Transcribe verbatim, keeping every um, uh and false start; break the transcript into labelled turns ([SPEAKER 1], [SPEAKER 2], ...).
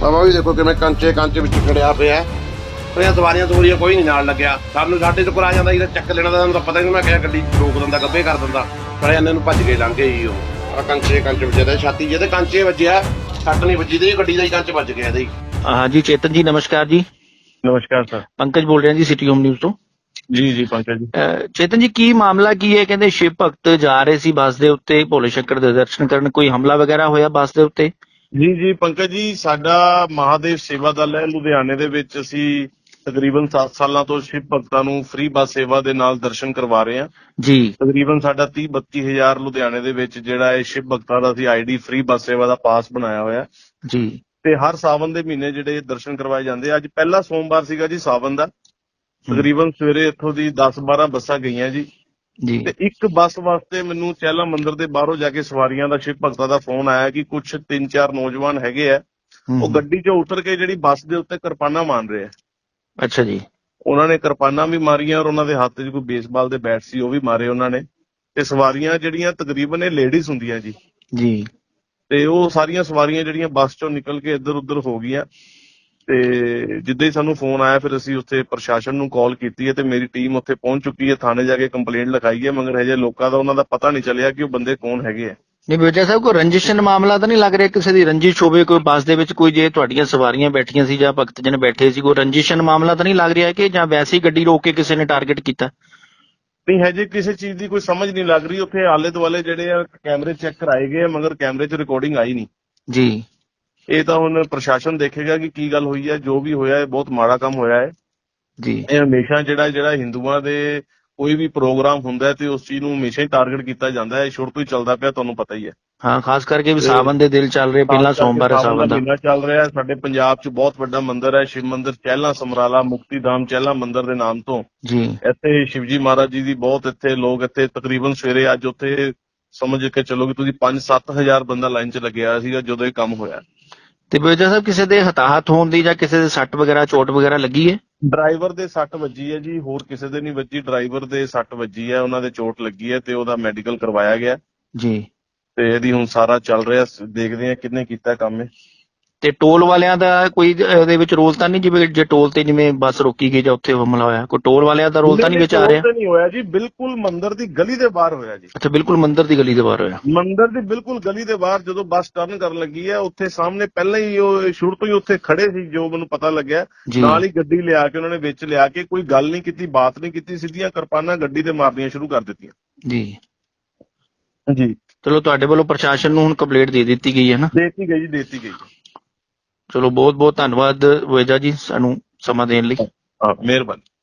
[SPEAKER 1] ਬਾਬਾ ਵੀ ਦੇਖੋ ਕਿਵੇਂ ਕੰਚੇ ਕੰਚ ਵਿੱਚ ਖੜਿਆ ਪਿਆ। ਉਹਦੀਆਂ ਸਵਾਰੀਆਂ ਸਵਾਰੀਆਂ ਕੋਈ ਨਹੀਂ ਨਾਲ ਲੱਗਿਆ। ਸਾਨੂੰ ਸਾਡੇ ਤੋਂ ਕਰਾ ਜਾਂਦਾ ਇਹਦਾ ਚੱਕ ਲੈਣਾ, ਤਾਂ ਪਤਾ ਨਹੀਂ ਮੈਂ ਕਿਹਾ ਗੱਡੀ ਰੋਕ ਦਿੰਦਾ, ਗੱਭੇ ਕਰ ਦਿੰਦਾ। ਖੜੇ ਜਾਂਦੇ ਨੂੰ ਭੱਜ ਕੇ ਲੰਘ ਗਏ ਜੀ। ਉਹ ਆ ਕੰਚੇ ਕੰਚ ਵਿੱਚ ਇਹਦੇ ਛਾਤੀ ਜਿਹਦੇ ਕੰਚੇ ਵੱਜਿਆ, ਸੱਟ ਨਹੀਂ ਵੱਜੀ ਤੇ ਗੱਡੀ ਦਾ ਹੀ ਕੰਚ ਵੱਜ ਗਿਆ ਇਹਦੇ।
[SPEAKER 2] हाँ जी चेतन जी नमस्कार जी।
[SPEAKER 3] नमस्कार सर।
[SPEAKER 2] पंकज बोल रहे हैं जी सिटी होम न्यूज़ ਤੋਂ।
[SPEAKER 3] ਜੀ ਜੀ ਪੰਕਜ ਜੀ।
[SPEAKER 2] ਅਹ ਚੇਤਨ ਜੀ ਕੀ ਮਾਮਲਾ ਕੀ ਹੈ? ਕਹਿੰਦੇ ਸ਼ਿਵ ਭਗਤ ਜਾ ਰਹੇ ਸੀ ਬੱਸ ਦੇ ਉੱਤੇ ਭੋਲੇ ਸ਼ੰਕਰ ਦੇ ਦਰਸ਼ਨ ਕਰਨ, ਕੋਈ ਹਮਲਾ ਵਗੈਰਾ ਹੋਇਆ ਬੱਸ ਦੇ ਉੱਤੇ?
[SPEAKER 3] ਜੀ ਜੀ ਪੰਕਜ ਜੀ, ਸਾਡਾ ਮਹਾਦੇਵ ਸੇਵਾ ਦਲ ਹੈ ਲੁਧਿਆਣੇ ਦੇ ਵਿੱਚ। ਅਸੀਂ ਤਕਰੀਬਨ ਸੱਤ ਸਾਲਾਂ ਤੋਂ ਸ਼ਿਵ ਭਗਤਾਂ ਨੂੰ ਫ੍ਰੀ ਬੱਸ ਸੇਵਾ ਦੇ ਨਾਲ ਦਰਸ਼ਨ ਕਰਵਾ ਰਹੇ ਹਾਂ
[SPEAKER 2] ਜੀ।
[SPEAKER 3] ਤਕਰੀਬਨ ਸਾਡਾ ਤੀਹ ਬੱਤੀ ਹਜ਼ਾਰ ਲੁਧਿਆਣੇ ਦੇ ਵਿੱਚ ਜਿਹੜਾ ਹੈ ਸ਼ਿਵ ਭਗਤਾਂ ਦਾ ਅਸੀਂ ਆਈਡੀ ਫ੍ਰੀ ਬੱਸ ਸੇਵਾ ਦਾ ਪਾਸ ਬਣਾਇਆ ਹੋਇਆ
[SPEAKER 2] ਜੀ।
[SPEAKER 3] ਤੇ ਹਰ ਸਾਵਨ ਦੇ ਮਹੀਨੇ ਜਿਹੜੇ ਦਰਸ਼ਨ ਕਰਵਾਏ ਜਾਂਦੇ। ਅੱਜ ਪਹਿਲਾ ਸੋਮਵਾਰ ਸੀਗਾ ਜੀ ਸਾਵਨ ਦਾ। ਤਕਰੀਬਨ ਸਵੇਰੇ ਇੱਥੋਂ ਦੀ ਦਸ ਬਾਰਾਂ ਬੱਸਾਂ ਗਈਆਂ ਜੀ
[SPEAKER 2] ਜੀ।
[SPEAKER 3] ਤੇ ਇੱਕ ਬੱਸ ਵਾਸਤੇ ਮੈਨੂੰ ਚਹਿਲਾ ਮੰਦਿਰ ਦੇ ਬਾਹਰੋਂ ਜਾ ਕੇ ਸਵਾਰੀਆਂ ਦਾ ਸ਼ਿਵ ਭਗਤਾਂ ਦਾ ਫੋਨ ਆਇਆ ਕਿ ਕੁਝ ਤਿੰਨ ਚਾਰ ਨੌਜਵਾਨ ਹੈਗੇ ਆ, ਉਹ ਗੱਡੀ 'ਚੋਂ ਉਤਰ ਕੇ ਜਿਹੜੀ ਬੱਸ ਦੇ ਉੱਤੇ ਕਿਰਪਾਨਾਂ ਮਾਰ ਰਹੇ ਆ।
[SPEAKER 2] ਅੱਛਾ ਜੀ।
[SPEAKER 3] ਉਹਨਾਂ ਨੇ ਕਿਰਪਾਨਾਂ ਵੀ ਮਾਰੀਆਂ ਔਰ ਉਹਨਾਂ ਦੇ ਹੱਥ 'ਚ ਕੋਈ ਬੇਸਬਾਲ ਦੇ ਬੈਟ ਸੀ, ਉਹ ਵੀ ਮਾਰੇ ਉਹਨਾਂ ਨੇ। ਤੇ ਸਵਾਰੀਆਂ ਜਿਹੜੀਆਂ ਤਕਰੀਬਨ ਇਹ ਲੇਡੀਜ਼ ਹੁੰਦੀਆਂ ਜੀ
[SPEAKER 2] ਜੀ।
[SPEAKER 3] ਤੇ ਉਹ ਸਾਰੀਆਂ ਸਵਾਰੀਆਂ ਜਿਹੜੀਆਂ ਬੱਸ 'ਚੋਂ ਨਿਕਲ ਕੇ ਇੱਧਰ ਉੱਧਰ ਹੋ ਗਈਆਂ। ਤੇ ਜਿੱਦਾਂ ਹੀ ਸਾਨੂੰ ਫੋਨ ਆਇਆ ਫਿਰ ਅਸੀਂ ਉੱਥੇ ਪ੍ਰਸ਼ਾਸਨ ਨੂੰ ਕਾਲ ਕੀਤੀ ਹੈ ਤੇ ਮੇਰੀ ਟੀਮ ਉੱਥੇ ਪਹੁੰਚ ਚੁੱਕੀ ਹੈ। ਥਾਣੇ ਜਾ ਕੇ ਕੰਪਲੇਂਟ ਲਿਖਾਈ ਹੈ, ਮਗਰ ਹਜੇ ਲੋਕਾਂ ਦਾ ਉਹਨਾਂ ਦਾ ਪਤਾ ਨਹੀਂ ਚੱਲਿਆ ਕਿ ਉਹ ਬੰਦੇ ਕੌਣ ਹੈਗੇ ਆ।
[SPEAKER 2] ਨਹੀਂ ਬੇਟਾ ਸਾਹਿਬ, ਕੋਈ ਰੰਜਿਸ਼ਨ ਮਾਮਲਾ ਤਾਂ ਨਹੀਂ ਲੱਗ ਰਿਹਾ? ਕਿਸੇ ਦੀ ਰੰਜਿਸ਼ ਹੋਵੇ ਕੋਈ ਬੱਸ ਦੇ ਵਿੱਚ, ਕੋਈ ਜੇ ਤੁਹਾਡੀਆਂ ਸਵਾਰੀਆਂ ਬੈਠੀਆਂ ਸੀ ਜਾਂ ਭਗਤ ਜਨ ਬੈਠੇ ਸੀ, ਕੋਈ ਰੰਜਿਸ਼ਨ ਮਾਮਲਾ ਤਾਂ ਨਹੀਂ ਲੱਗ ਰਿਹਾ ਕਿ ਜਾਂ ਵੈਸੇ ਹੀ ਗੱਡੀ ਰੋਕ ਕੇ ਕਿਸੇ ਨੇ ਟਾਰਗੇਟ ਕੀਤਾ?
[SPEAKER 3] ਨਹੀਂ ਹਜੇ ਕਿਸੇ ਚੀਜ਼ ਦੀ ਕੋਈ ਸਮਝ ਨਹੀਂ ਲੱਗ ਰਹੀ। ਉੱਥੇ ਆਲੇ ਦੁਆਲੇ ਜਿਹੜੇ ਆ ਕੈਮਰੇ ਚੈੱਕ ਕਰਾਏ ਗਏ, ਮਗਰ ਕੈਮਰੇ 'ਚ ਰਿਕਾਰਡਿੰਗ ਆਈ ਨਹੀਂ
[SPEAKER 2] ਜੀ।
[SPEAKER 3] ਇਹ ਤਾਂ ਹੁਣ ਪ੍ਰਸ਼ਾਸਨ ਦੇਖੇਗਾ ਕਿ ਕੀ ਗੱਲ ਹੋਈ ਹੈ। ਜੋ ਵੀ ਹੋਇਆ ਹੈ ਬਹੁਤ ਮਾੜਾ ਕੰਮ ਹੋਇਆ ਹੈ
[SPEAKER 2] ਜੀ।
[SPEAKER 3] ਇਹ ਹਮੇਸ਼ਾ ਜਿਹੜਾ ਜਿਹੜਾ ਹਿੰਦੂਆਂ ਦੇ ਕੋਈ ਵੀ ਪ੍ਰੋਗਰਾਮ ਹੁੰਦਾ ਹੈ ਤੇ ਉਸ ਚੀਜ਼ ਨੂੰ ਹਮੇਸ਼ਾ ਹੀ ਟਾਰਗੇਟ ਕੀਤਾ ਜਾਂਦਾ ਹੈ। ਸ਼ੁਰੂ ਤੋਂ ਹੀ ਚੱਲਦਾ ਪਿਆ, ਤੁਹਾਨੂੰ ਪਤਾ ਹੀ ਹੈ।
[SPEAKER 2] ਹਾਂ, ਖਾਸ ਕਰਕੇ ਵੀ ਸਾਵਨ ਦੇ ਦਿਲ ਚੱਲ ਰਹੇ, ਪਹਿਲਾ ਸੋਮਵਾਰ ਹੈ ਸਾਵਨ ਦਾ
[SPEAKER 3] ਮਹੀਨਾ ਚੱਲ ਰਿਹਾ। ਸਾਡੇ ਪੰਜਾਬ 'ਚ ਬਹੁਤ ਵੱਡਾ ਮੰਦਿਰ ਹੈ, ਸ਼ਿਵ ਮੰਦਿਰ ਚਹਿਲਾ ਸਮਰਾਲਾ ਮੁਕਤੀਧਾਮ ਚਹਿਲਾ ਮੰਦਿਰ ਦੇ ਨਾਮ ਤੋਂ।
[SPEAKER 2] ਜੀ।
[SPEAKER 3] ਇੱਥੇ ਸ਼ਿਵਜੀ ਮਹਾਰਾਜ ਜੀ ਦੀ ਬਹੁਤ ਇੱਥੇ ਲੋਕ ਇੱਥੇ ਤਕਰੀਬਨ ਸਵੇਰੇ ਅੱਜ ਉੱਥੇ ਸਮਝ ਕੇ ਚੱਲੋ ਕਿ ਤੁਸੀਂ ਪੰਜ ਸੱਤ ਹਜ਼ਾਰ ਬੰਦਾ ਲਾਈਨ 'ਚ ਲੱਗਿਆ ਸੀਗਾ ਜਦੋਂ ਇਹ ਕੰਮ ਹੋਇਆ।
[SPEAKER 2] ਤੇ ਬੇਜਾ ਸਾਹਿਬ, ਕਿਸੇ ਦੇ ਹਤਾਹਤ ਹੋਣ ਦੀ ਜਾਂ ਕਿਸੇ ਦੇ ਸੱਟ ਵਗੈਰਾ ਚੋਟ ਵਗੈਰਾ ਲੱਗੀ ਹੈ?
[SPEAKER 3] ਡਰਾਈਵਰ ਦੇ ਸੱਟ ਵੱਜੀ ਹੈ ਜੀ, ਹੋਰ ਕਿਸੇ ਦੇ ਨਹੀਂ ਵੱਜੀ। ਡਰਾਈਵਰ ਦੇ ਸੱਟ ਵੱਜੀ ਹੈ, ਉਹਨਾਂ ਦੇ ਚੋਟ ਲੱਗੀ ਹੈ ਤੇ ਉਹਦਾ ਮੈਡੀਕਲ ਕਰਵਾਇਆ ਗਿਆ
[SPEAKER 2] ਜੀ।
[SPEAKER 3] ਤੇ ਇਹਦੀ ਹੁਣ ਸਾਰਾ ਚੱਲ ਰਿਹਾ, ਦੇਖਦੇ ਆ ਕਿਹਨੇ ਕੀਤਾ ਕੰਮ ਇਹ।
[SPEAKER 2] ਤੇ ਟੋਲ ਵਾਲਿਆਂ ਦਾ ਕੋਈ ਇਹਦੇ ਵਿੱਚ ਰੋਲ ਤਾਂ ਨਹੀਂ? ਜਿਵੇਂ ਜੇ ਟੋਲ ਤੇ ਜਿਵੇਂ ਬੱਸ ਰੋਕੀ ਗਈ ਜਾਂ ਉੱਥੇ ਹਮਲਾ ਹੋਇਆ, ਕੋਈ ਟੋਲ ਵਾਲਿਆਂ ਦਾ ਰੋਲ ਤਾਂ ਨਹੀਂ ਵਿੱਚ ਆ ਰਿਹਾ?
[SPEAKER 3] ਨਹੀਂ ਹੋਇਆ ਜੀ, ਬਿਲਕੁਲ ਮੰਦਿਰ ਦੀ ਗਲੀ ਦੇ ਬਾਹਰ ਹੋਇਆ ਜੀ।
[SPEAKER 2] ਅੱਛਾ, ਬਿਲਕੁਲ ਮੰਦਿਰ ਦੀ ਗਲੀ ਦੇ ਬਾਹਰ ਹੋਇਆ।
[SPEAKER 3] ਮੰਦਿਰ ਦੀ ਬਿਲਕੁਲ ਗਲੀ ਦੇ ਬਾਹਰ ਜਦੋਂ ਬੱਸ ਟਰਨ ਕਰਨ ਲੱਗੀ ਹੈ, ਉੱਥੇ ਸਾਹਮਣੇ ਪਹਿਲਾਂ ਹੀ ਉਹ ਸ਼ੁਰੂ ਤੋਂ ਹੀ ਉੱਥੇ ਖੜੇ ਸੀ, ਜੋ ਮੈਨੂੰ ਪਤਾ ਲੱਗਿਆ। ਨਾਲ ਹੀ ਗੱਡੀ ਲਿਆ ਕੇ ਉਹਨਾਂ ਨੇ ਵਿੱਚ ਲਿਆ ਕੇ ਕੋਈ ਗੱਲ ਨਹੀਂ ਕੀਤੀ, ਬਾਤ ਨਹੀਂ ਕੀਤੀ, ਸਿੱਧੀਆਂ ਕਿਰਪਾਨਾਂ ਗੱਡੀ ਤੇ ਮਾਰਨੀਆਂ ਸ਼ੁਰੂ ਕਰ ਦਿੱਤੀਆਂ
[SPEAKER 2] ਜੀ।
[SPEAKER 3] ਜੀ।
[SPEAKER 2] ਚਲੋ, ਤੁਹਾਡੇ ਵੱਲੋਂ ਪ੍ਰਸ਼ਾਸਨ ਨੂੰ ਹੁਣ ਕੰਪਲੇਂਟ ਦੇ ਦਿੱਤੀ ਗਈ ਹੈ ਨਾ?
[SPEAKER 3] ਦੇਤੀ ਗਈ ਜੀ, ਦੇਤੀ ਗਈ।
[SPEAKER 2] ਚਲੋ, ਬਹੁਤ ਬਹੁਤ ਧੰਨਵਾਦ ਵੇਜਾ ਜੀ ਸਾਨੂੰ ਸਮਾਂ ਦੇਣ ਲਈ।
[SPEAKER 3] ਹਾਂ, ਮਿਹਰਬਾਨੀ।